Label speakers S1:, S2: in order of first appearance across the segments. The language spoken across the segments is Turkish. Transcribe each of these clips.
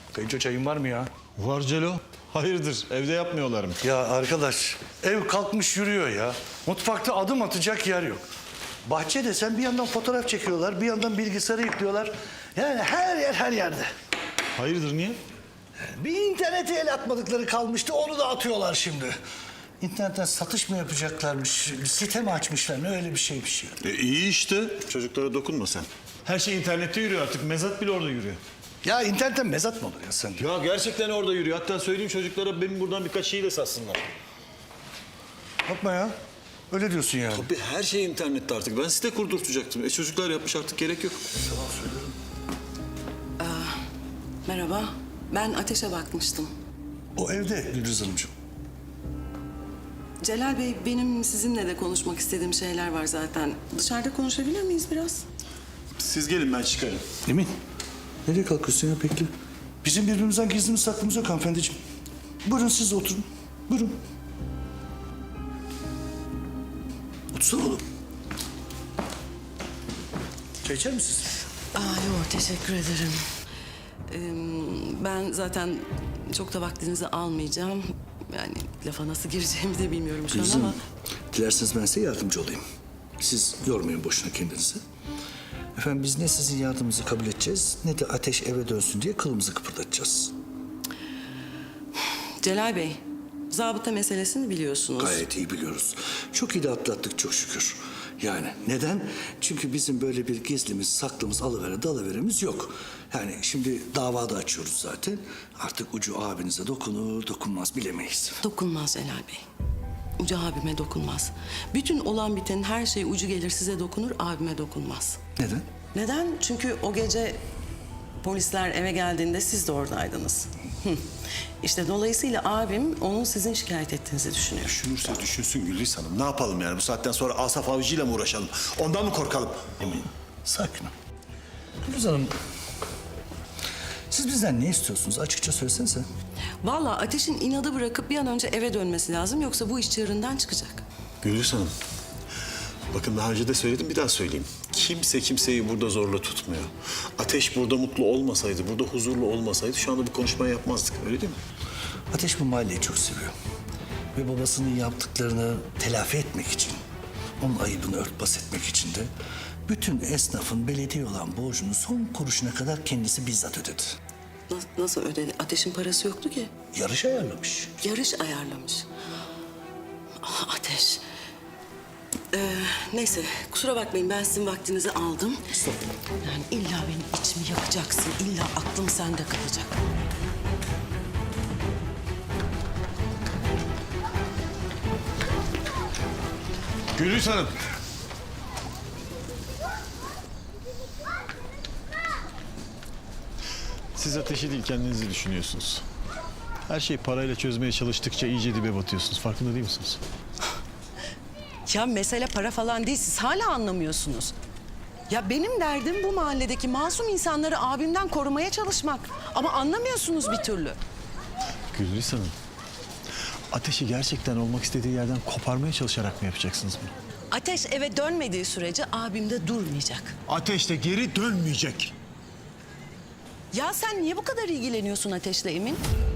S1: Kayınço çayın var mı ya?
S2: Var Celo. Hayırdır, evde yapmıyorlar mı?
S1: Ya arkadaş, ev kalkmış yürüyor ya. Mutfakta adım atacak yer yok. Bahçe desen bir yandan fotoğraf çekiyorlar, bir yandan bilgisayarı yüklüyorlar. Yani her yer her yerde.
S2: Hayırdır, niye?
S1: Bir internete el atmadıkları kalmıştı, onu da atıyorlar şimdi. İnternetten satış mı yapacaklarmış, site mi açmışlar, ne öyle bir şeymiş ya.
S2: İyi işte. Çocuklara dokunma sen. Her şey internette yürüyor artık. Mezat bile orada yürüyor.
S1: Ya internetten mezat mı olur ya sen?
S2: Ya gerçekten orada yürüyor. Hatta söyleyeyim çocuklara benim buradan birkaç şeyi de satsınlar.
S1: Yapma ya. Öyle diyorsun yani.
S2: Tabii her şey internette artık. Ben site kurdurtacaktım. Çocuklar yapmış artık gerek yok.
S3: Merhaba, ben Ateş'e bakmıştım.
S1: O evde Gülriz Hanımcığım.
S3: Celal Bey, benim sizinle de konuşmak istediğim şeyler var zaten. Dışarıda konuşabilir miyiz biraz?
S2: Siz gelin ben çıkarım.
S1: Emin, nereye kalkıyorsun ya bekle. Bizim birbirimizden gizlimiz saklımız yok hanımefendiciğim. Buyurun siz de oturun. Buyurun. Otursana oğlum. Çay içer misiniz?
S3: Yok, teşekkür ederim. Ben zaten çok da vaktinizi almayacağım. Yani lafa nasıl gireceğimi de bilmiyorum şu an
S1: Gülriz
S3: ama...
S1: Hanım, dilerseniz ben size yardımcı olayım. Siz yormayın boşuna kendinizi. Efendim biz ne sizin yardımınızı kabul edeceğiz... ne de Ateş eve dönsün diye kılımızı kıpırdatacağız.
S3: Celal Bey, zabıta meselesini biliyorsunuz.
S1: Gayet iyi biliyoruz. Çok iyi de atlattık çok şükür. Yani neden? Çünkü bizim böyle bir gizlimiz, saklımız, alıvere dalıveremiz yok. Yani şimdi davada açıyoruz zaten. Artık ucu abinize dokunur, dokunmaz bilemeyiz.
S3: Dokunmaz Celal Bey. Ucu abime dokunmaz. Bütün olan bitenin her şey ucu gelir size dokunur, abime dokunmaz.
S1: Neden?
S3: Neden? Çünkü o gece polisler eve geldiğinde siz de oradaydınız. İşte dolayısıyla abim onun sizin şikayet ettiğinizi düşünüyor.
S2: Düşünürse düşünsün Gülriz Hanım. Ne yapalım yani? Bu saatten sonra Asaf Avcı'yla mı uğraşalım? Ondan mı korkalım?
S1: Emin, sakin ol. Gülriz Hanım, siz bizden ne istiyorsunuz? Açıkça söylesenize.
S3: Vallahi Ateş'in inadı bırakıp bir an önce eve dönmesi lazım. Yoksa bu iş çığırından çıkacak.
S2: Gülriz Hanım. Bakın daha önce de söyledim bir daha söyleyeyim. Kimse kimseyi burada zorla tutmuyor. Ateş burada mutlu olmasaydı, burada huzurlu olmasaydı şu anda bu konuşmayı yapmazdık. Öyle değil mi?
S1: Ateş bu mahalleyi çok seviyor. Ve babasının yaptıklarını telafi etmek için, onun ayıbını örtbas etmek için de bütün esnafın belediye olan borcunu son kuruşuna kadar kendisi bizzat ödedi.
S3: Nasıl ödedi? Ateş'in parası yoktu ki.
S1: Yarış ayarlamış.
S3: Yarış ayarlamış. Ah, Ateş. Neyse kusura bakmayın ben sizin vaktinizi aldım. Yani illa benim içimi yakacaksın. İlla aklım sende kalacak.
S2: Gülriz Hanım. Siz ateşi değil kendinizi düşünüyorsunuz. Her şeyi parayla çözmeye çalıştıkça iyice dibe batıyorsunuz. Farkında değil misiniz?
S3: Ya mesele para falan değil. Siz hala anlamıyorsunuz. Ya benim derdim bu mahalledeki masum insanları abimden korumaya çalışmak. Ama anlamıyorsunuz bir türlü.
S2: Gülriz Hanım. Ateşi gerçekten olmak istediği yerden koparmaya çalışarak mı yapacaksınız bunu?
S3: Ateş eve dönmediği sürece abim de durmayacak.
S2: Ateş de geri dönmeyecek.
S3: Ya sen niye bu kadar ilgileniyorsun Ateş'le Emin?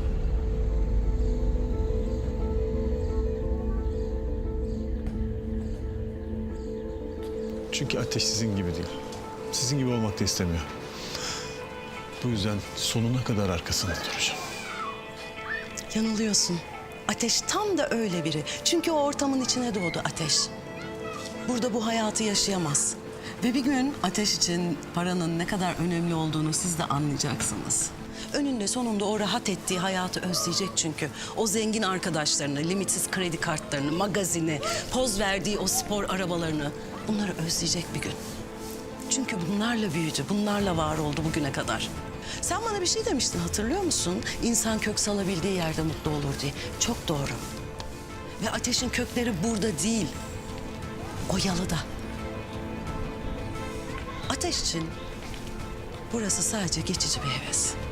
S2: Çünkü Ateş sizin gibi değil. Sizin gibi olmak da istemiyor. Bu yüzden sonuna kadar arkasında duracağım.
S3: Yanılıyorsun. Ateş tam da öyle biri. Çünkü o ortamın içine doğdu Ateş. Burada bu hayatı yaşayamaz. Ve bir gün Ateş için paranın ne kadar önemli olduğunu siz de anlayacaksınız. Önünde sonunda o rahat ettiği hayatı özleyecek çünkü. O zengin arkadaşlarını, limitsiz kredi kartlarını, magazini, poz verdiği o spor arabalarını... bunları özleyecek bir gün. Çünkü bunlarla büyüdü, bunlarla var oldu bugüne kadar. Sen bana bir şey demiştin hatırlıyor musun? İnsan kök salabildiği yerde mutlu olur diye. Çok doğru. Ve Ateş'in kökleri burada değil. O yalıda. Ateş için burası sadece geçici bir heves.